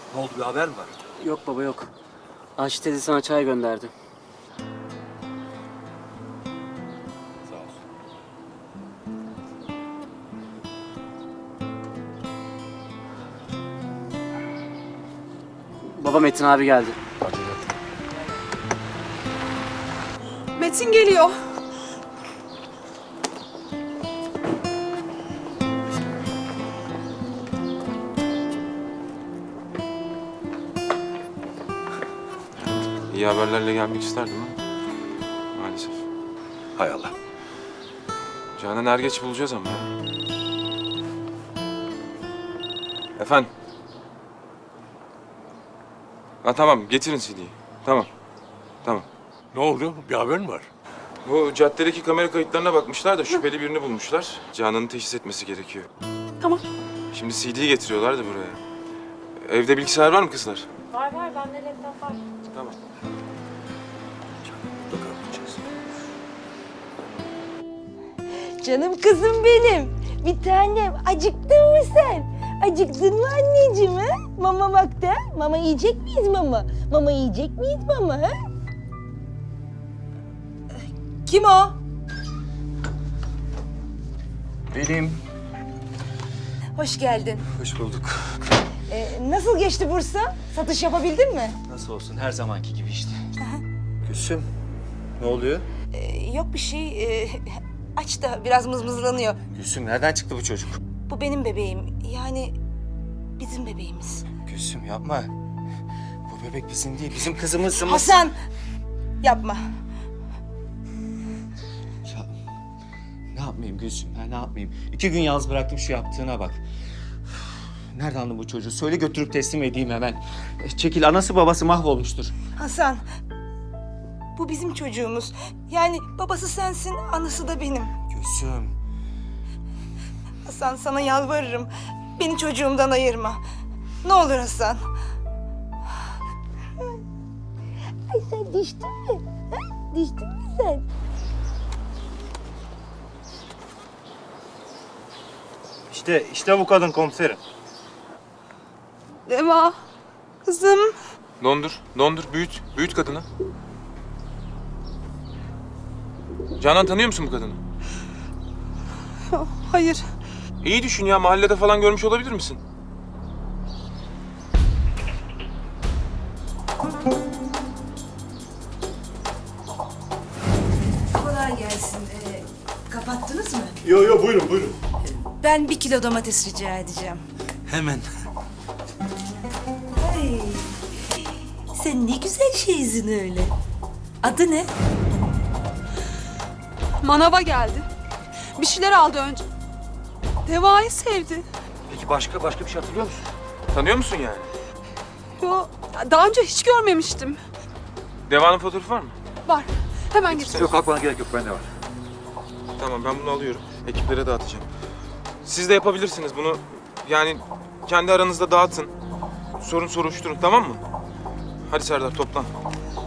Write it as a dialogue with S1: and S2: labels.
S1: Ne oldu, bir haber mi var?
S2: Yok baba yok. Ayşe teyze sana çay gönderdi.
S1: Sağ olsun.
S2: Baba Metin abi geldi.
S3: Metin geliyor.
S4: İyi haberlerle gelmek isterdim ama maalesef.
S1: Hay Allah.
S4: Canan er geç bulacağız ama. Efendim? Ha tamam, getirin CD'yi. Tamam. Tamam.
S1: Ne oldu? Bir haber mi var?
S4: Bu caddedeki kamera kayıtlarına bakmışlar da şüpheli birini bulmuşlar. Canan'ı teşhis etmesi gerekiyor.
S3: Tamam.
S4: Şimdi CD'yi getiriyorlar da buraya. Evde bilgisayar var mı kızlar?
S5: Var bende laptop var.
S4: Tamam.
S1: Mutlaka bulacağız.
S6: Canım kızım benim. Bir tanem. Acıktın mı sen? Acıktın mı anneciğim ha? Mama bak da. Mama yiyecek miyiz mama? Mama yiyecek miyiz mama ha? Kim o?
S1: Benim.
S6: Hoş geldin.
S1: Hoş bulduk.
S6: Nasıl geçti Bursa? Satış yapabildin mi?
S7: Nasıl olsun her zamanki gibi işte.
S1: Gülsüm. Ne oluyor?
S6: Yok bir şey. Aç da biraz mızmızlanıyor.
S7: Gülsüm nereden çıktı bu çocuk?
S6: Bu benim bebeğim. Yani bizim bebeğimiz.
S7: Gülsüm yapma. Bu bebek bizim değil, bizim kızımız.
S6: Hasan! Yapma.
S7: Ya, ne yapmayayım Gülsüm, ne yapmayayım? 2 gün yalnız bıraktım, şu yaptığına bak. Nereden aldın bu çocuğu? Söyle götürüp teslim edeyim hemen. Çekil, anası babası mahvolmuştur.
S6: Hasan. Bu bizim çocuğumuz. Yani babası sensin, anası da benim.
S7: Gülsüm.
S6: Hasan sana yalvarırım. Beni çocuğumdan ayırma. Ne olur Hasan. Ay sen düştün mü? Ha? Düştün mü sen?
S8: İşte bu kadın komiserim.
S3: Deva. Kızım.
S4: Dondur, büyüt. Büyüt kadını. Canan, tanıyor musun bu kadını?
S3: Hayır.
S4: İyi düşün ya, mahallede falan görmüş olabilir misin?
S6: Kolay gelsin. Kapattınız mı?
S8: Yo buyurun.
S6: Ben 1 kilo domates rica edeceğim.
S1: Hemen.
S6: Ay, sen ne güzel şeysin öyle. Adı ne?
S3: Manava geldi. Bir şeyler aldı önce. Deva'yı sevdi.
S1: Peki başka bir şey hatırlıyor musun?
S4: Tanıyor musun yani?
S3: Yo, daha önce hiç görmemiştim.
S4: Deva'nın fotoğrafı var mı?
S3: Var. Hemen getir.
S1: Yok, kalkmana gerek yok. Bende var.
S4: Tamam, ben bunu alıyorum. Ekiplere dağıtacağım. Siz de yapabilirsiniz bunu. Yani kendi aranızda dağıtın. Sorun soruşturun, tamam mı? Hadi Serdar, toplan.